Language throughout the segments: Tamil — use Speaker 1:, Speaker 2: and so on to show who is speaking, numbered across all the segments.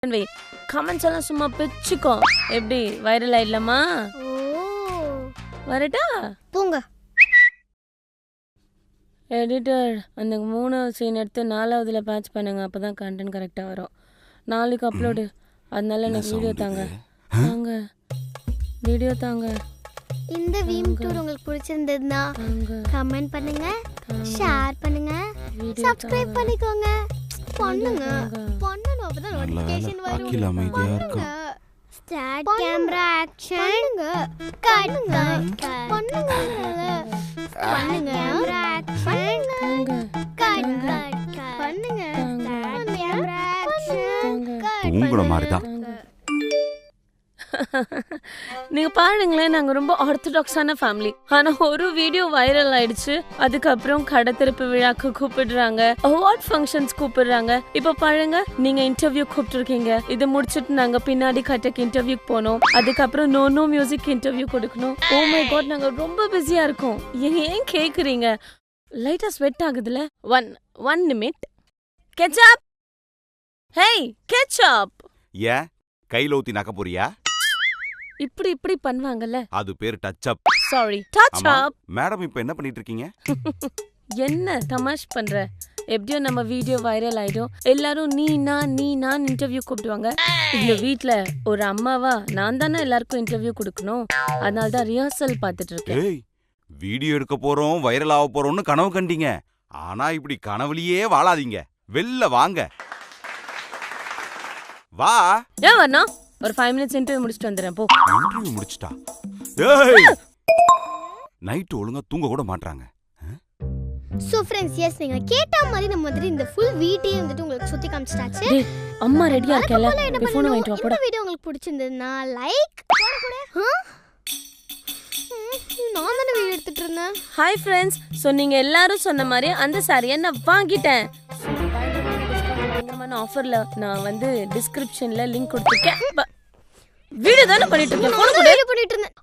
Speaker 1: வை. கமெண்ட்ஸ் எல்லாம் சும்மா பிச்சுக்கோ. எப்படி வைரல் ஆயிடலாமா? வரட்டா?
Speaker 2: போங்க.
Speaker 1: எடிட்டர் அந்த 3வது சீன் எடுத்து 4வதுல பேட்ச் பண்ணுங்க. அப்பதான் கண்டென்ட் கரெக்டா வரும். நாளைக்கு அப்லோடு. அதனால எனக்கு வீடியோ தாங்க. தாங்க. வீடியோ தாங்க.
Speaker 2: இந்த வீம் டூர் உங்களுக்கு பிடிச்சிருந்ததுன்னா கமெண்ட் பண்ணுங்க, ஷேர் பண்ணுங்க, சப்ஸ்கிரைப் பண்ணிக்கோங்க. பண்ணுங்க. பண்ணனும் அப்பதான் நோட்டிஃபிகேஷன் வரும்.
Speaker 3: அகில அமைதியா இருக்கா.
Speaker 2: Start camera action. கட் பண்ணுங்க. பண்ணுங்க. Camera action. கட் பண்ணுங்க. Start camera action.
Speaker 3: உங்கள மாதிரி தான்.
Speaker 1: நீங்க பாருங்களேன், நாங்க ரொம்ப ஆர்த்தடாக்ஸான ஃபேமிலி. ஆனா ஒரு வீடியோ வைரல் ஆயிடுச்சு. அதுக்கப்புறம் கடை திறப்பு விழாக்கு கூப்பிடுறாங்க, அவார்ட் ஃபங்க்ஷன்ஸ் கூப்பிடுறாங்க. இப்ப பாருங்க, நீங்க இன்டர்வியூ கூப்பிட்டுருக்கீங்க. இது முடிச்சிட்டு நாங்க பின்னாடி கட்டக்கு இன்டர்வியூக்கு போனோம். அதுக்கப்புறம் நோ மியூசிக் இன்டர்வியூ கொடுக்கணும். ஓ மை காட், நாங்க ரொம்ப பிஸியா இருக்கோம். ஏன் கேக்குறீங்க? லைட்டா ஸ்வெட் ஆகுதுல. One minute. Ketchup. Hey ketchup.
Speaker 3: ஏன் கையில ஊத்தி நக்க போறியா?
Speaker 1: இப்படி பண்ணுவாங்கல்ல,
Speaker 3: அது பேர் touch up.
Speaker 1: Sorry, touch up.
Speaker 3: Madam இப்போ என்ன பண்ணிட்டு இருக்கீங்க?
Speaker 1: என்ன தமாஷ் பண்ற? எப்படியோ நம்ம வீடியோ வைரல் ஆயிடும். எல்லாரும் நீ நான் இன்டர்வியூ கூப்பிடுவாங்க. இந்த வீட்ல ஒரு அம்மாவா நான் தானே எல்லாருக்கும் இன்டர்வியூ கொடுக்கணும். அதனால தான் ரிஹர்சல் பார்த்துட்டு இருக்கேன்.
Speaker 3: ஏய், வீடியோ எடுக்க போறோம், வைரல் ஆக போறோம்னு கனவு கண்டீங்க. ஆனா இப்படி கனவுலயே வாழாதீங்க. வெளில வாங்க. வா.
Speaker 1: ஏன் வரணும்? ஒரு 5 மினிட்ஸ் இன்டர்வியூ முடிச்சிட்டு வந்துடுறேன் போ.
Speaker 3: இன்டர்வியூ முடிச்சிட்டா? ஏய், நைட் ஒழுங்கா தூங்க கூட மாட்றாங்க.
Speaker 2: சோ फ्रेंड्स, எஸ் நீங்க கேட்ட மாதிரி நம்ம வந்து இந்த ஃபுல் வீடியோ வந்துட்டு உங்களுக்கு சுத்தி காமிச்சிட்டாச்சு.
Speaker 1: டேய், அம்மா ரெடியா இருக்கல. ஃபோன் வாங்கிட்டு வா போடா.
Speaker 2: இந்த வீடியோ உங்களுக்கு பிடிச்சிருந்ததுன்னா லைக் போடு. நான் தான வீடியோ எடுத்துட்டு இருந்தேன்.
Speaker 1: Hi friends. சோ நீங்க எல்லாரும் சொன்ன மாதிரி அந்த சாரியை நான் வாங்கிட்டேன். ஆஃபர்ல நான் வந்து டிஸ்கிரிப்ஷன்ல லிங்க் கொடுத்திருக்கேன். வீடியோ தான பண்ணிட்டு இருக்கேன். போன் கூட
Speaker 2: வீடியோ பண்ணிட்டு இருந்தேன்.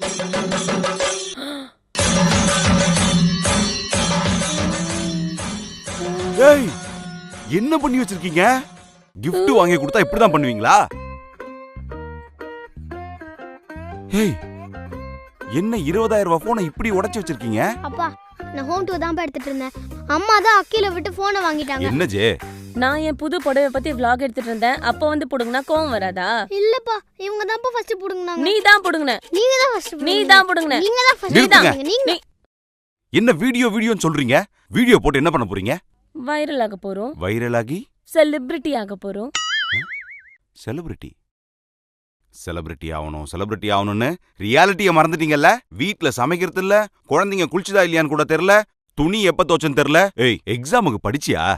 Speaker 3: ஏய், என்ன பண்ணி வச்சிருக்கீங்க? gift வாங்கி கொடுத்தா இப்படி தான் பண்ணுவீங்களா? ஏய், என்ன 20,000 ரூபாய் போனை இப்படி உடைச்சு வச்சிருக்கீங்க?
Speaker 2: அப்பா, நான் ஹோம் டூர் தான் எடுத்துட்டு இருந்தேன். அம்மா தான் அக்கில விட்டு போனை வாங்கிட்டாங்க.
Speaker 3: என்ன ஜே?
Speaker 1: நான் என் புது புடவை பத்தி vlog எடுத்துட்டு இருந்தேன். அப்ப வந்து புடுங்கனா கோவம் வராதா?
Speaker 2: இல்லப்பா, இவங்க தான் ஃபர்ஸ்ட் புடுங்கனாங்க.
Speaker 1: நீ தான் புடுங்கன.
Speaker 2: நீங்க தான் ஃபர்ஸ்ட்.
Speaker 1: நீ தான் புடுங்கன.
Speaker 2: நீங்க தான் ஃபர்ஸ்ட்.
Speaker 3: நிறுத்துங்க.
Speaker 2: நீங்க
Speaker 3: என்ன வீடியோன்னு சொல்றீங்க? வீடியோ போட்டு என்ன பண்ண போறீங்க?
Speaker 1: வைரல் ஆக போறோம்.
Speaker 3: வைரல் ஆகி
Speaker 1: செலிபிரிட்டி ஆக போறோம்.
Speaker 3: செலிபிரிட்டி ஆகணும்னு ரியாலிட்டியை மறந்துட்டீங்கல்ல? வீட்ல சமைக்கிறது இல்ல, குழந்தைங்க குளிச்சுதா இல்லையான்னு கூட தெரியல, துணி எப்ப தோச்சன்னு தெரியல. ஏய், எக்ஸாமுக்கு படிச்சியா?